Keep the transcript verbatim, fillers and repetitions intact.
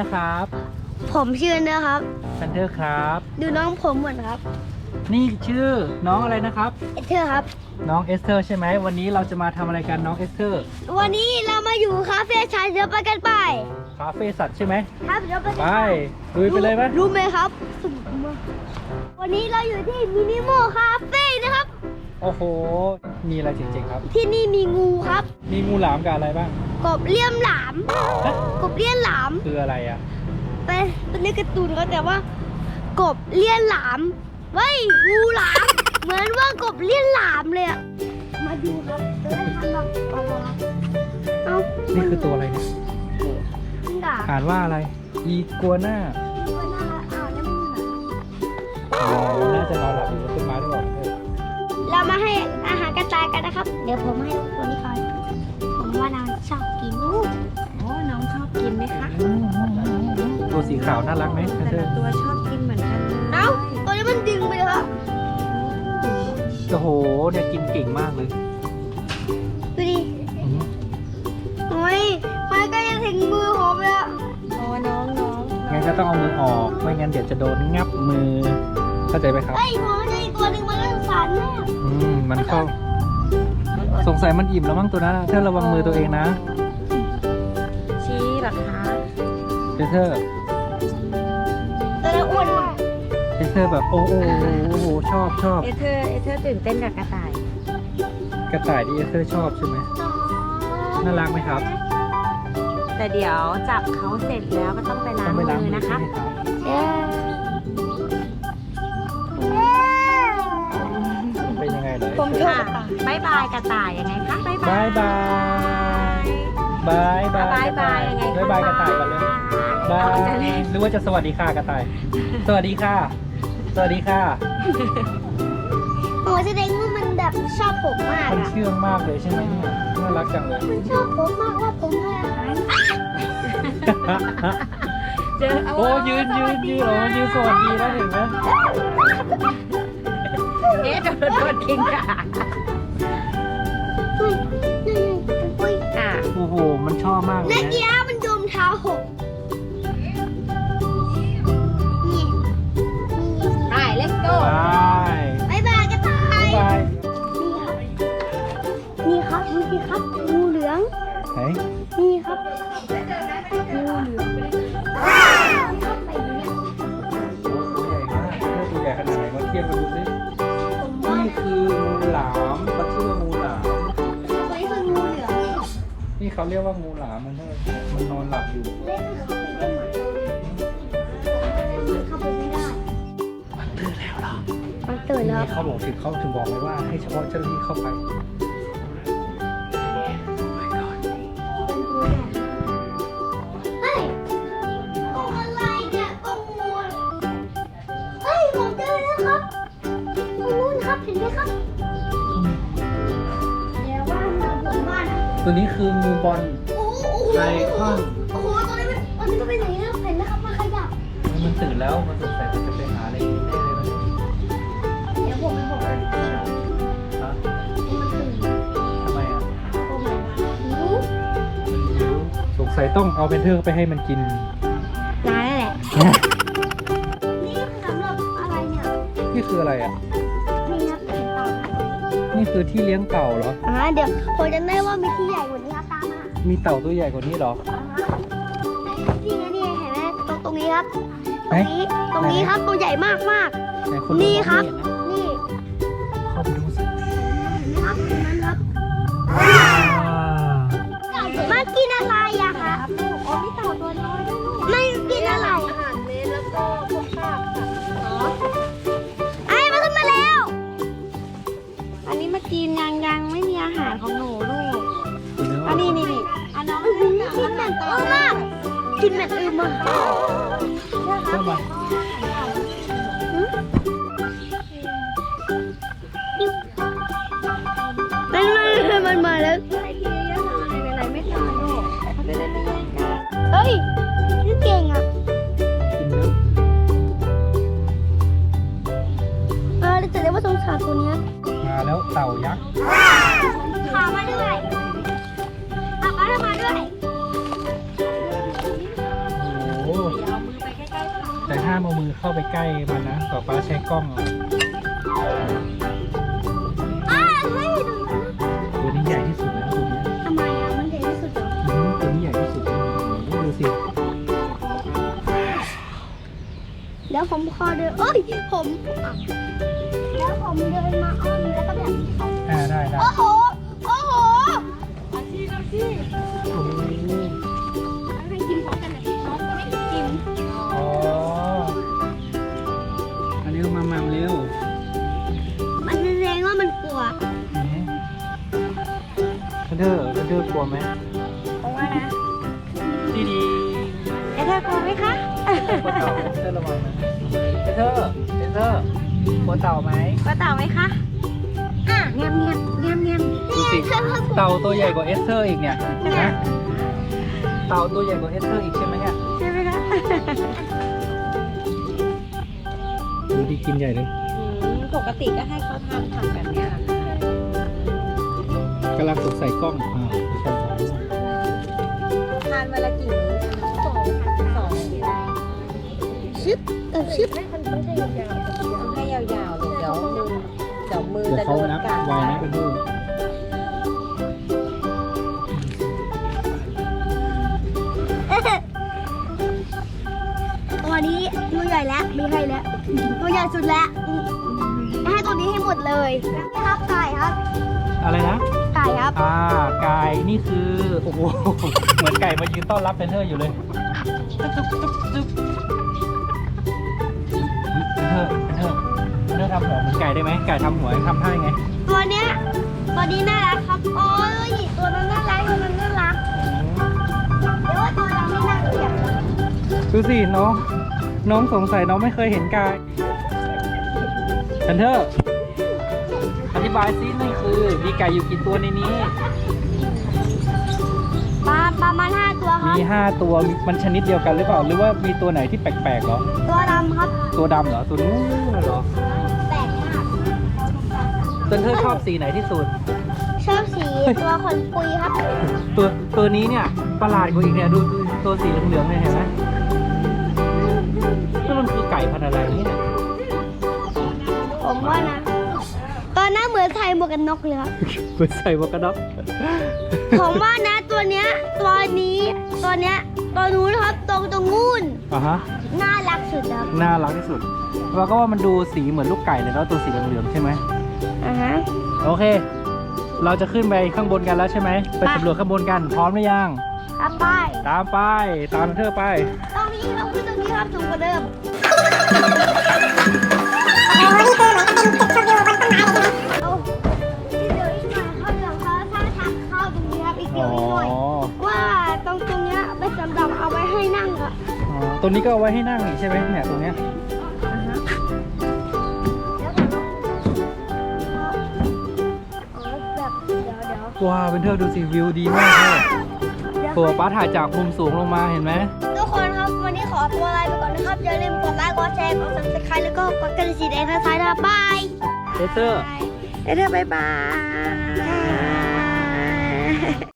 ครับผมชื่อนะครับแพนเทอร์ครับดูน้องผมเหมือนครับนี่ชื่อน้องอะไรนะครับเอเธอร์ครับน้องเอสเธอร์ใช่ไหมวันนี้เราจะมาทำอะไรกันน้องเอสเธอร์วันนี้เรามาอยู่คาเฟ่ชายเดี๋ยวไปกันไปคาเฟ่สัตว์ใช่ไหมครับเดี๋ยวไปกันไปลุยไปเลยไหมรู้ไหมครับสนุกมากวันนี้เราอยู่ที่มินิโมคาเฟ่นะครับโอ้โหมีอะไรจริงๆครับที่นี่มีงูครับมีงูหลามกับอะไรบ้างกบเลี่ยมหลามฮะกบเลี่ยมหลามคืออะไรอ่ะเป็นเป็นในการ์ตูนเขาแต่ว่า กบเลี่ยนหลามเฮ้ยงูหลาม เหมือนว่ากบเลี่ยนหลามเลยอะมาดูครับจะได้ทำแบบเอาละเอานี่คือตัวอะไรเนี่ยมันด่าอ่านว่าอะไรอีกัวน่าตัวน่ารักอ่านแล้วมันเหมือนอ๋อน่าจะนอนหลับอยู่บนต้นไม้ด้วยเออเรามาให้อาหารกระต่ายกันนะครับ เดี๋ยวผมให้ตัวนี้ก่อนผมว่าน้องชอบกินลูกโอ้น้องชอบกินไหมคะตัวสีขาวน่ารักไหมแพนแต่เทอละร์ตัวชอบกินเหมือนกันเลยเอ้าตัวนี้มันดึงไปเลยครับโอ้โหเนี่ยกินเก่งมากเลยดูดิอืมโอ้ยมันก็จะถึงมือผมแล้วโอ้น้องน้องงั้นก็ต้องเอามือออกไม่งั้นเดี๋ยวจะโดนงับมือเข้าใจไหมครับไอ้ยผมจะอีกตัวหนึ่งมันก็สงสารมากอืมมันเข้าสงสัยมันอิ่มแล้วมั้งตัวนั้นอะเธอระวังมือตัวเองนะชี้เหรอคะเอเธอร์ตัวนั้นอ้วนมากเอเธอร์แบบโอ้โหโอ้โหชอบชอบเอเธอร์เอเธอร์ตื่นเต้นกับกระต่ายกระต่ายที่เอเธอร์ชอบใช่ไหมน่ารักไหมครับแต่เดี๋ยวจับเขาเสร็จแล้วก็ต้องไปล้าต้อง งไปล้างมือมือนะใช่คะไหมครับเอ๊ะเป็นยังไงเลยผมชอบค่ะบายบายกระต่ายยังไงคะบายบายบายบายบายบายบายยังไงคะบายบายกระต่ายก่อนเลยบายจะเล่นหรือว่าจะสวัสดีค่ะกระต่าย สวัสดีค่ะ สวัสดีค่ะโอ้แสดงว่ามันแบบชอบผมมากมันอะเชื่องมากเลยใช่ไหมเนี่ยน่ารักจังเลยมันชอบผมมากว่าผมให้อาหารเจอเอาโอ้ยืนยืนยืนโอ้ยืนสวัสดีแล้วเห็นไหมเอ๊ะโดนโดนกินค่ะอุ้ยนี่อุ้ยอ่ะโอ้โหมันชอบมากเลเมื่ยอนะกี้มันโดนเท้าหกนี่ไป let's go บายบายบายกระต่ายบายนี่ครับดูสิครับงูเหลืองไหนนี่ครับงูเหลืองโอ้ตัวใหญ่มากเท่าตัวใหญ่ขนาดไหนมาเทียบกันดูสิผมว่านี่คืองูหลามเขาชื่อว่างูหลามตัวนี้คืองูเหลืองนี่เขาเรียกว่างูหลามมันเถอะมันนอนหลับอยู่เล่นเข้าไปได้ไหมเข้าไปไม่ได้มันตื่นแล้วเหรอมันตื่นแล้วนี่เขาบอกถึงเขาถึงบอกเลยว่าให้เฉพาะเจ้าหน้าที่เข้าไปเฮ้ยกรงอะไรเนี่ยกรงงูเฮ้ยผมเจอแล้วครับตรงนู้นครับเห็นไหมครับเดี๋ยวว่ามันผมบ้านอะตัวนี้คืองูบอลโอ้โหไอคอนโอ้โหตัวนี้มันตัวนี้ก็เป็นอย่างนี้นะเห็นไหมครับมันขยับมันตื่นแล้วมันสงสัยมันจะไปหาอะไรกินได้เลยมันเดี๋ยวผมไปบอกมันฮะตื่นทำไมอ่ะผมหิวสงสัยต้องเอาเพนเทอร์ไปให้มันกินร้ายแหละนี่สำหรับอะไรเนี่ยนี่คืออะไรอ่ะนี่ครับเห็นเต่านี่คือที่เลี้ยงเต่าเหรออ่าเดี๋ยวผมจะได้ว่ามีที่ใหญ่กว่านี้ครับตามมามีเต่าตัวใหญ่กว่านี้เหรออ่าฮะนี่ไงนี่ไงเห็นไหมตรงตรงนี้ครับไหตนรงนี้ตรงนี้ครับตัวใหญ่มากมากไหนคนนี่ครับมองไม่เห็นนะนี่เข้าไปดูสิเห็นไหมครับตรงนั้นครับว้าวมันกินอะไรอะคะอ๋อมีเต่าตัวน้อยด้วยลูกมันกินอะไรอาหารเม็ดแล้วก็พวกข้าวค่ะอ๋อไอ้มันขึ้นมาแล้วอันนี้มากินยังยังไม่มีอาหารของหนูลูกตัวเนื้ออันนี้นี่นี่อันน้องอื้อหือกินเหม็นอือมากกินเหม็นอือมากเข้ามามันมามันมาแล้วให้ทีเยอะหน่อยไหนๆไม่ตายลูกเขาจะได้ไม่แย่งกันเฮ้ยนี่เก่งอ่ะกินเนื้อเออแต่ได้ว่าสงสารตัวเนี้ยมาแล้วเต่ายักษ์ขามาด้วยขามาด้วยมาด้วยโอ้โหแต่ห้ามเอามือเข้าไปใกล้มันนะป๊าป๊าใช้กล้องอ้าเฮ้ยดูนะตัวนี้ใหญ่ที่สุดแล้วตัวนี้ทำไมอ่ะมันใหญ่ที่สุดเหรออืมตัวนี้ใหญ่ที่สุดดูสิแล้วผมขอเดินเอ้ยผมอ่ะแล้วผมเดินมาอ้อมแล้วก็แบบอ่าได้ได้โอ้โหโอ้โหอาชีพอาชีพโอ้โหให้กินพร้อมกันนะน้องก็ไม่กินอ๋ออันนี้เรามามัมเร็วมันแสดงว่ามันกลัวคันเดอร์คันเดอร์กลัวไหมเพราะว่านะดีดีเอเธอร์กลัวไหมคะกลัวเต่าเธอระวังนะเอเธอร์เอเธอร์กลัวเต่าไหมกลัวเต่าไหมคะอ่ะเงียบเงียบเงียบเงียบดูสิเต่าตัวใหญ่กว่าเอสเธอร์อีกเนี่ยนะเต่าตัวใหญ่กว่าเอสเธอร์อีกใช่ไหมเนี่ยใช่ไหมคะดูดีกินใหญ่เลยอืมปกติก็ให้เขาทำทำแบบเนี้ยแหละค่ะกำลังสดใส่กล้องอ่าใช่ใช่ทานวันละกี่มื้อสองสองชึบเออชึบต้องให้ยาวๆต้องให้ยาวๆเลยเดี๋ยวมือเดี๋ยวมือเดี๋ยวจะเขาโดนนับกัดไวนะเป็นดูตัวนี้ตัวใหญ่แล้วมีให้แล้วตัวใหญ่สุดแล้วอืมให้ตัวนี้ให้หมดเลยครับไก่ครับอะไรนะไก่ครับอ่าไก่นี่คือโอ้โหเหมือนไก่มายืนต้อนรับเฟนเทอร์อยู่เลยจุ๊บจุ๊บจุ๊บเฟนเทอร์เฟนเทอร์เฟนเทอร์ทำหัวเหมือนไก่ได้ไหมไก่ทำหัวทำท่ายังไงตัวเนี้ยตัวนี้น่ารักครับโอ้ยตัวนั้นน่ารักตัวนั้นน่ารักเดี๋ยวว่าตัวเราไม่น่าเกลียดนะดูสิน้องน้องสงสัยน้องไม่เคยเห็นไก่เฟนเทอร์อธิบายซินี่คือมีไก่อยู่กี่ตัวในนี้ปลาประมาณห้าตัวครับมีห้าตัวมันชนิดเดียวกันหรือเปล่าหรือว่ามีตัวไหนที่แปลกๆเหรอตัวดำครับตัวดำเหรอตัวนู้นเหรอแปลกมากเฟนเทอร์ชอบสีไหนที่สุดชอบสีตัวขนปุยครับตัวตัวนี้เนี่ยประหลาดกว่าอีกเนี่ยดูดูตัวสีเหลืองๆเนี่ยเห็นไหมนี่มันคือไก่พันธุ์อะไรเนี่ยผมว่านะตอนหน้าเหมือนใส่หมวกกันน็อกเลยครับเหมือนใส่หมวกกันน็อกผมว่านะตัวเนี้ยตัวนี้ตัวเนี้ยตัวนู้นครับตรงตรงงูนอ่ะฮะน่ารักสุดครับน่ารักที่สุดเราก็ว่ามันดูสีเหมือนลูกไก่เลยแล้วตัวสีเหลืองๆใช่ไหมอ่าฮะโอเค เราจะขึ้นไปข้างบนกันแล้วใช่ไหมไปสำรวจข้างบนกันพร้อมหรือยังครับไปตามไปตามเธอไปตรงนี้เราขึ้นตรงนี้ครับสูงกว่าเดิมโอ้นี่คือเหมือนเป็นตึกชมวิวบนต้นไม้เลยใช่ไหมเอาอีกเดียวอีกหน่อยครับเดี๋ยวเขาถ้าทางเข้าตรงนี้ครับอีกเดีอ๋ยวออีกหน่อยว่าตรงตรงเนี้ยเป็นสำหรับเอาไว้ให้นั่งครับอ๋อตัวนี้ก็เอาไว้ให้นั่งนี่ใช่ไหมเนี่ยตรงเนี้ยแล้วก็อ๋อแบบเดี๋ยวเดี๋ยวว้าวเป็นเธอดูสิวิวดีมากเลยตัวป้าถ่ายจากมุมสูงลงมาเห็นไหมทุกคนครับวันนี้ขอตัวลาไปก่อนนะครับอย่าลืมกดไลค์กดแชร์กด ซับสไครบ์ แล้วก็กดกระดิ่งสีแดงทางซ้ายนะครับบายเอเธอร์เอเธอร์บายบาย